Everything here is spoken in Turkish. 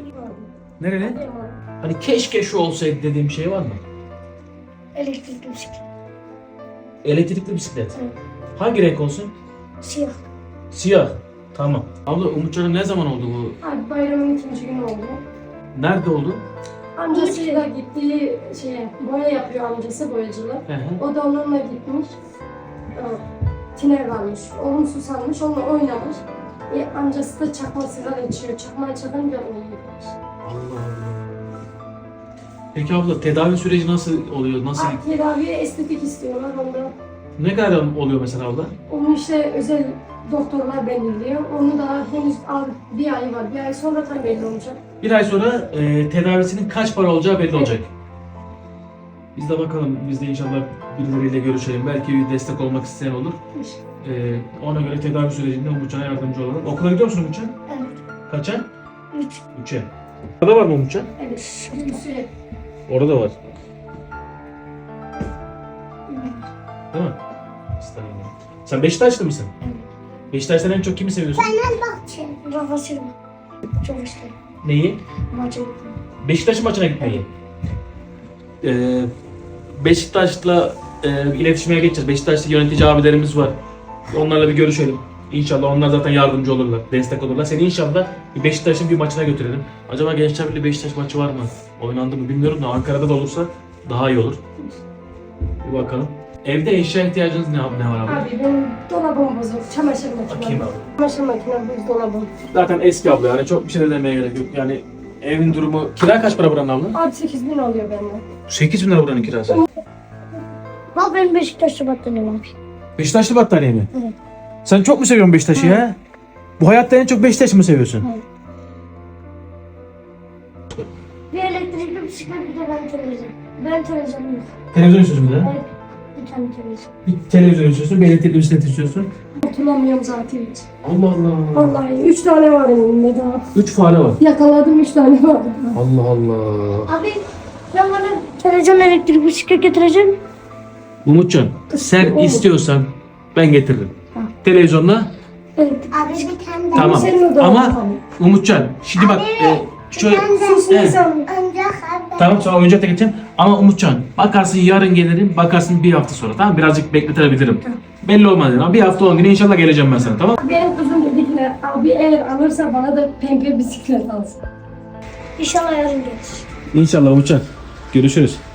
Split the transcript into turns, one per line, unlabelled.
Nereli? Hani keşke şu olsaydı dediğim bir şey var mı?
Elektrikli bisiklet.
Elektrikli bisiklet.
Evet.
Hangi renk olsun?
Siyah.
Siyah. Tamam. Abla Umutcan'a ne zaman oldu bu?
Abi bayramın ikinci günü oldu.
Nerede oldu?
Amcasıyla gittiği boya yapıyor amcası boyacılık.
Hı hı.
O da onunla gitmiş. Tiner varmış. Oğlum susanmış, onunla oynamış. Amcası da çakma sigara içiyor. Çakma çakınca onu gitmiş.
Allah Allah. Peki abla tedavi süreci nasıl oluyor? Nasıl?
Tedaviye estetik istiyorlar onda.
Ne kadar oluyor mesela abla?
Onu işte özel doktorlar belirliyor. Onu da henüz bir ay var. Bir ay sonra tam belli olacak.
Bir ay sonra tedavisinin kaç para olacağı belli olacak. Biz de bakalım, biz de inşallah birileriyle görüşelim. Belki bir destek olmak isteyen olur. Ona göre tedavi sürecinde Umutcan'a yardımcı olalım. Okula gidiyor musun Umutcan?
Evet.
Kaça?
3.
3'e. Orada var mı Umutcan?
Evet. Sürekli.
Orada var. Değil mi? İstanbul. Sen Beşiktaşlı mısın?
Evet.
Beşiktaş'tan en çok kimi seviyorsun?
Rafa Silva. Çok istedim.
Neyi?
Maça gittim.
Beşiktaş'ın maçına gitmeyi. Beşiktaş'la iletişime geçeceğiz. Beşiktaş'ta yönetici abilerimiz var. Onlarla bir görüşelim. İnşallah onlar zaten yardımcı olurlar, destek olurlar. Seni inşallah Beşiktaş'ın bir maçına götürelim. Acaba Gençler Birliği Beşiktaş maçı var mı? Oynandı mı bilmiyorum da Ankara'da da olursa daha iyi olur. Bir bakalım. Evde eşya ihtiyacınız ne var abi?
Abi benim dolabım bozuk. Çamaşır makinem.
Bakayım abi.
Çamaşır makinem, buzdolabım.
Zaten eski abla, yani çok bir şey de demeye gerek yok. Yani evin durumu... Kira kaç para buranın abla?
Abi 8.000 oluyor benden.
8.000 lira buranın kirası.
Bak benim Beşiktaş'ta battaniyem abi.
Beşiktaşlı battaniye mi?
Evet.
Sen çok mu seviyorsun Beşiktaş'ı ya? Bu hayatta en çok Beşiktaş'ı mı seviyorsun?
Evet. Bir elektrikli bisiklet, bir de ben televizyon. Ben televizyonum yok.
Televizyon istiyorsun bir de.
Evet. Bir tane televizyon.
Bir televizyon istiyorsun, bir elektrikli bisiklet istiyorsun.
Hatırlamıyorum zaten hiç.
Allah Allah.
Vallahi 3 tane var elimde daha.
3 fare var.
Yakaladım 3 tane var.
Allah Allah.
Abi ben bana televizyon elektrikli bisiklet getireceğim.
Umutcan, sen istiyorsan ben getiririm. Televizyonla
Evet. Abi bir tane
tamam.
senin odana
Ama
bakalım.
Umutcan, şimdi bak şöyle
Sus
Evet.
insan.
Tamam, sonra oyuncak da geçeceğim. Ama Umutcan, bakarsın yarın gelirim, bakarsın bir hafta sonra, tamam? Birazcık bekletebilirim. Belli olmaz yani. Ama bir hafta 10 güne inşallah geleceğim ben sana, tamam?
Benim kızım dedi ki abi eğer alırsa bana da pembe bisiklet alsın.
İnşallah yarın gelir.
İnşallah Umutcan. Görüşürüz.